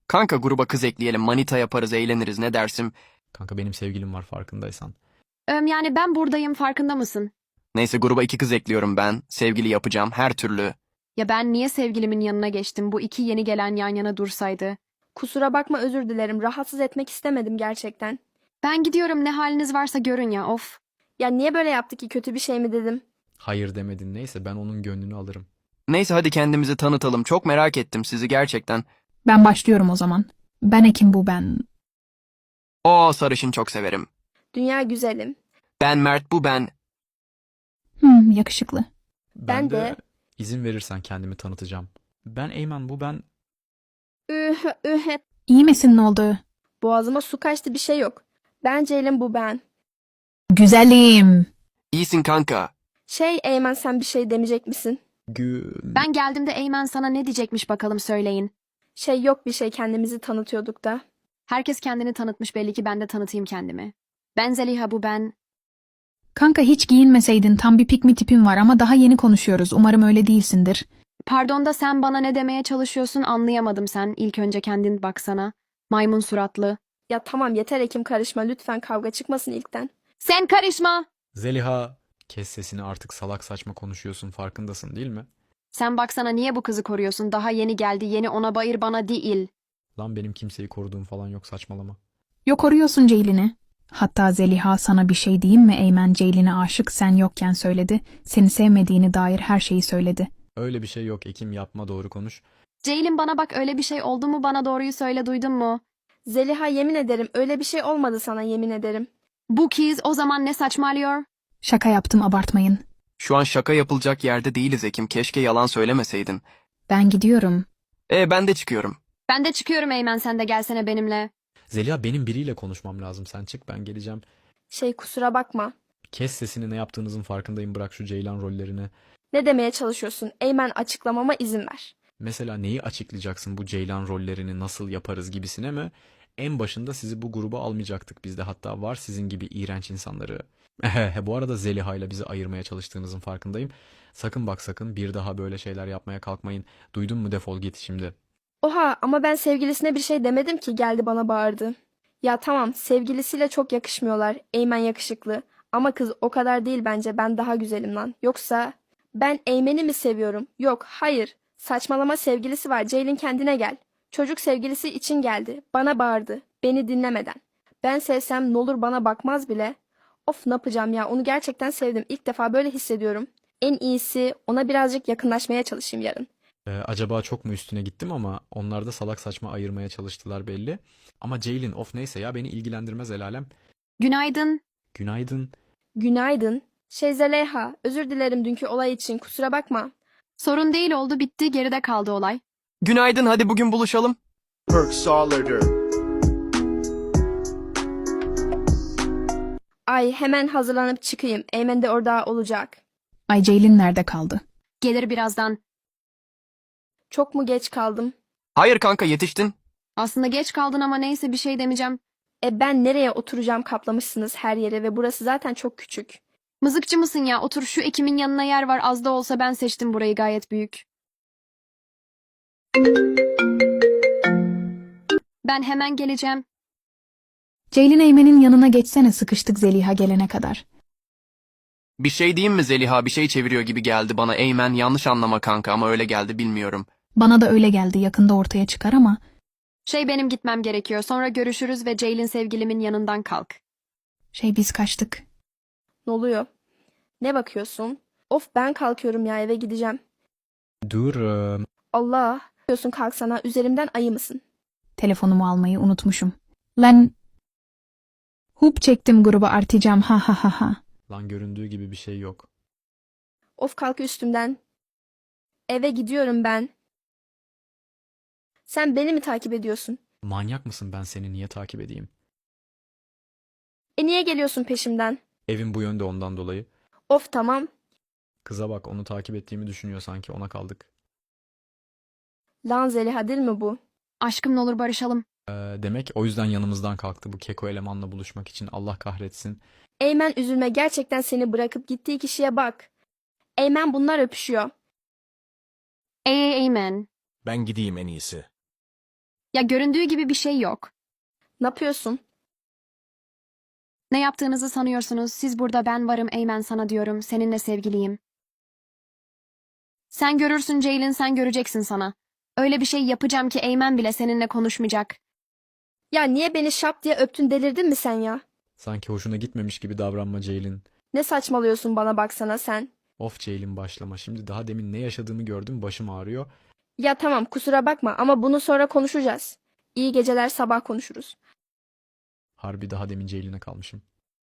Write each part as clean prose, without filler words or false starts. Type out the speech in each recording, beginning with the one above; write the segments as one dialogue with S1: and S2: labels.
S1: Kanka gruba kız ekleyelim, manita yaparız, eğleniriz, ne dersin?
S2: Kanka benim sevgilim var farkındaysan.
S3: Yani ben buradayım, farkında mısın?
S1: Neyse gruba 2 kız ekliyorum ben. Sevgili yapacağım her türlü.
S3: Ya ben niye sevgilimin yanına geçtim? Bu iki yeni gelen yan yana dursaydı.
S4: Kusura bakma, özür dilerim. Rahatsız etmek istemedim gerçekten.
S3: Ben gidiyorum, ne haliniz varsa görün ya, of.
S4: Ya niye böyle yaptı ki, kötü bir şey mi dedim?
S2: Hayır demedin, neyse ben onun gönlünü alırım.
S1: Neyse hadi kendimizi tanıtalım. Çok merak ettim sizi gerçekten.
S5: Ben başlıyorum o zaman. Ben Ekim, bu ben.
S1: O sarışın çok severim.
S4: Dünya güzelim.
S1: Ben Mert, bu ben.
S5: Yakışıklı.
S4: Ben de.
S2: izin verirsen kendimi tanıtacağım. Ben Eymen, bu ben.
S4: Üh üh et.
S5: İyi misin, ne oldu?
S4: Boğazıma su kaçtı, bir şey yok. Ben Ceylin, bu ben.
S5: Güzelim.
S1: İyisin kanka.
S4: Eymen, sen bir şey demeyecek misin?
S3: Ben geldiğimde Eymen sana ne diyecekmiş bakalım, söyleyin.
S4: Yok bir şey, kendimizi tanıtıyorduk da.
S3: Herkes kendini tanıtmış, belli ki ben de tanıtayım kendimi. Ben Zeliha, bu ben.
S5: Kanka hiç giyinmeseydin, tam bir pick me tipin var ama daha yeni konuşuyoruz. Umarım öyle değilsindir.
S3: Pardon da sen bana ne demeye çalışıyorsun, anlayamadım sen. İlk önce kendin baksana. Maymun suratlı.
S4: Ya tamam yeter Ekim, karışma lütfen, kavga çıkmasın ilkten.
S3: Sen karışma!
S2: Zeliha, kes sesini, artık salak saçma konuşuyorsun, farkındasın değil mi?
S3: Sen baksana, niye bu kızı koruyorsun? Daha yeni geldi, yeni, ona bayır, bana değil.
S2: Lan benim kimseyi koruduğum falan yok, saçmalama.
S5: Yok, arıyorsun Ceylin'i. Hatta Zeliha, sana bir şey diyeyim mi? Eymen Ceylin'e aşık, sen yokken söyledi. Seni sevmediğini dair her şeyi söyledi.
S2: Öyle bir şey yok Ekim, yapma, doğru konuş.
S3: Ceylin bana bak, öyle bir şey oldu mu, bana doğruyu söyle, duydun mu?
S4: Zeliha, yemin ederim öyle bir şey olmadı, sana yemin ederim.
S3: Bu kız o zaman ne saçmalıyor?
S5: Şaka yaptım, abartmayın.
S1: Şu an şaka yapılacak yerde değiliz Ekim. Keşke yalan söylemeseydin.
S5: Ben gidiyorum.
S1: Ben de çıkıyorum.
S3: Ben de çıkıyorum Eymen, sen de gelsene benimle.
S2: Zeliha, benim biriyle konuşmam lazım, sen çık, ben geleceğim.
S4: Kusura bakma.
S2: Kes sesini, ne yaptığınızın farkındayım, bırak şu Ceylan rollerini.
S4: Ne demeye çalışıyorsun? Eymen, açıklamama izin ver.
S2: Mesela neyi açıklayacaksın, bu Ceylan rollerini nasıl yaparız gibisine mi? En başında sizi bu gruba almayacaktık biz de, hatta var sizin gibi iğrenç insanları. Bu arada Zeliha ile bizi ayırmaya çalıştığınızın farkındayım. Sakın bak sakın bir daha böyle şeyler yapmaya kalkmayın. Duydun mu, defol git şimdi.
S4: Oha, ama ben sevgilisine bir şey demedim ki, geldi bana bağırdı. Ya tamam, sevgilisiyle çok yakışmıyorlar. Eymen yakışıklı. Ama kız o kadar değil bence, ben daha güzelim lan. Yoksa ben Eymen'i mi seviyorum? Yok, hayır. Saçmalama, sevgilisi var. Ceylin, kendine gel. Çocuk sevgilisi için geldi. Bana bağırdı. Beni dinlemeden. Ben sevsem ne olur, bana bakmaz bile. Of, ne yapacağım ya, onu gerçekten sevdim. İlk defa böyle hissediyorum. En iyisi ona birazcık yakınlaşmaya çalışayım yarın.
S2: Acaba çok mu üstüne gittim, ama onlar da salak saçma ayırmaya çalıştılar belli. Ama Ceylin, of neyse ya, beni ilgilendirmez el alem.
S3: Günaydın.
S2: Günaydın.
S4: Günaydın. Zeliha, özür dilerim dünkü olay için, kusura bakma.
S3: Sorun değil, oldu bitti, geride kaldı olay.
S1: Günaydın, hadi bugün buluşalım.
S6: Perk Solider.
S4: Ay, hemen hazırlanıp çıkayım. Eymen de orada olacak.
S5: Ay, Ceylin nerede kaldı?
S3: Gelir birazdan.
S4: Çok mu geç kaldım?
S1: Hayır kanka, yetiştin.
S3: Aslında geç kaldın ama neyse, bir şey demeyeceğim.
S4: Ben nereye oturacağım, kaplamışsınız her yere ve burası zaten çok küçük.
S3: Mızıkçı mısın ya? Otur, şu Ekim'in yanına yer var, az da olsa ben seçtim burayı, gayet büyük. Ben hemen geleceğim.
S5: Ceylin, Eymen'in yanına geçsene, sıkıştık Zeliha gelene kadar.
S1: Bir şey diyeyim mi Zeliha? Bir şey çeviriyor gibi geldi bana. Eymen, yanlış anlama kanka ama öyle geldi, bilmiyorum.
S5: Bana da öyle geldi, yakında ortaya çıkar ama.
S3: Benim gitmem gerekiyor. Sonra görüşürüz ve Ceylin sevgilimin yanından kalk.
S5: Biz kaçtık.
S4: Ne oluyor? Ne bakıyorsun? Of, ben kalkıyorum ya, eve gideceğim.
S2: Dur.
S4: Allah, diyorsun, kalksana, üzerimden ayı mısın?
S5: Telefonumu almayı unutmuşum. Lan. Hup çektim, gruba artacağım, ha ha ha ha.
S2: Lan göründüğü gibi bir şey yok.
S4: Of, kalk üstümden. Eve gidiyorum ben. Sen beni mi takip ediyorsun?
S2: Manyak mısın, ben seni niye takip edeyim?
S4: Niye geliyorsun peşimden?
S2: Evin bu yönde, ondan dolayı.
S4: Of tamam.
S2: Kıza bak, onu takip ettiğimi düşünüyor sanki, ona kaldık.
S4: Lan Zeliha, değil mi bu?
S3: Aşkım, ne olur barışalım.
S2: Demek o yüzden yanımızdan kalktı bu keko elemanla buluşmak için, Allah kahretsin.
S4: Eymen, üzülme, gerçekten seni bırakıp gittiği kişiye bak. Eymen, bunlar öpüşüyor.
S3: Amen.
S6: Ben gideyim en iyisi.
S3: Ya göründüğü gibi bir şey yok.
S4: Ne yapıyorsun?
S3: Ne yaptığınızı sanıyorsunuz? Siz burada ben varım Eymen sana diyorum. Seninle sevgiliyim. Sen görürsün Ceylin sen göreceksin sana. Öyle bir şey yapacağım ki Eymen bile seninle konuşmayacak.
S4: Ya niye beni şap diye öptün, delirdin mi sen ya?
S2: Sanki hoşuna gitmemiş gibi davranma Ceylin.
S4: Ne saçmalıyorsun, bana baksana sen.
S2: Of Ceylin başlama. Şimdi daha demin ne yaşadığımı gördüm, başım ağrıyor.
S4: Ya tamam, kusura bakma ama bunu sonra konuşacağız. İyi geceler, sabah konuşuruz.
S2: Harbi daha demin Ceylin'e kalmışım.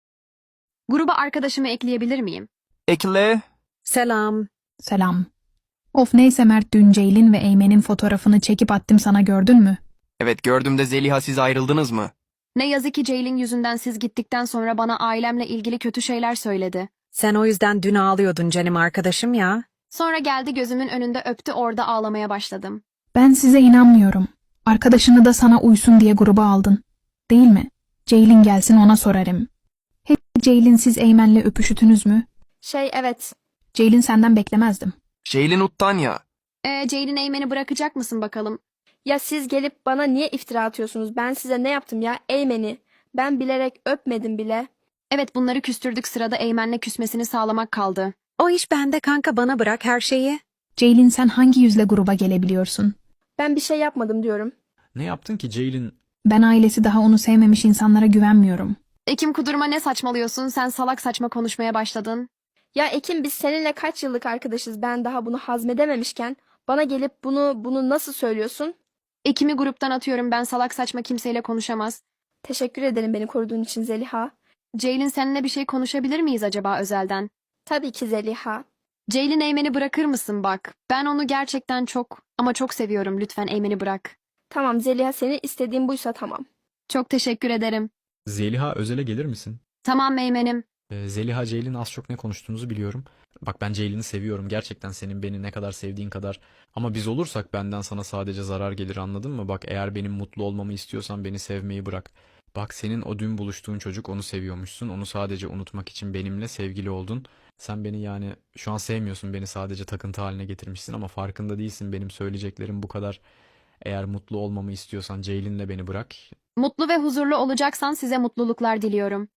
S3: Gruba arkadaşımı ekleyebilir miyim?
S1: Ekle.
S3: Selam.
S5: Selam. Of neyse Mert, dün Ceylin ve Eymen'in fotoğrafını çekip attım sana, gördün mü?
S1: Evet gördüm de Zeliha siz ayrıldınız mı?
S3: Ne yazık ki Ceylin yüzünden siz gittikten sonra bana ailemle ilgili kötü şeyler söyledi.
S7: Sen o yüzden dün ağlıyordun canım arkadaşım ya.
S3: Sonra geldi gözümün önünde öptü orada ağlamaya başladım.
S5: Ben size inanmıyorum. Arkadaşını da sana uysun diye gruba aldın. Değil mi? Ceylin gelsin ona sorarım. Hep Ceylin, siz Eymen'le öpüşütünüz mü?
S4: Evet.
S5: Ceylin, senden beklemezdim.
S1: Şeylin Uttan ya.
S3: Ceylin Eymen'i bırakacak mısın bakalım?
S4: Ya siz gelip bana niye iftira atıyorsunuz? Ben size ne yaptım ya? Eymen'i. Ben bilerek öpmedim bile.
S3: Evet bunları küstürdük, sırada Eymen'le küsmesini sağlamak kaldı.
S7: O iş bende kanka, bana bırak her şeyi.
S5: Ceylin, sen hangi yüzle gruba gelebiliyorsun?
S4: Ben bir şey yapmadım diyorum.
S2: Ne yaptın ki Ceylin?
S5: Ben ailesi daha onu sevmemiş insanlara güvenmiyorum.
S3: Ekim kudurma, ne saçmalıyorsun? Sen salak saçma konuşmaya başladın.
S4: Ya Ekim, biz seninle kaç yıllık arkadaşız, ben daha bunu hazmedememişken bana gelip bunu nasıl söylüyorsun?
S3: Ekim'i gruptan atıyorum, ben salak saçma kimseyle konuşamaz.
S4: Teşekkür ederim beni koruduğun için Zeliha.
S3: Ceylin seninle bir şey konuşabilir miyiz acaba özelden?
S4: Tabii ki Zeliha.
S3: Ceylin Eymen'i bırakır mısın bak? Ben onu gerçekten çok ama çok seviyorum, lütfen Eymen'i bırak.
S4: Tamam Zeliha, seni istediğin buysa tamam.
S3: Çok teşekkür ederim.
S2: Zeliha özele gelir misin?
S3: Tamam Eymen'im.
S2: Zeliha, Ceylin az çok ne konuştuğunuzu biliyorum. Bak ben Ceylin'i seviyorum. Gerçekten senin beni ne kadar sevdiğin kadar. Ama biz olursak benden sana sadece zarar gelir, anladın mı? Bak eğer benim mutlu olmamı istiyorsan beni sevmeyi bırak. Bak senin o dün buluştuğun çocuk, onu seviyormuşsun. Onu sadece unutmak için benimle sevgili oldun. Sen beni yani şu an sevmiyorsun, beni sadece takıntı haline getirmişsin ama farkında değilsin benim söyleyeceklerim bu kadar. Eğer mutlu olmamı istiyorsan Ceylin'le beni bırak.
S3: Mutlu ve huzurlu olacaksan size mutluluklar diliyorum.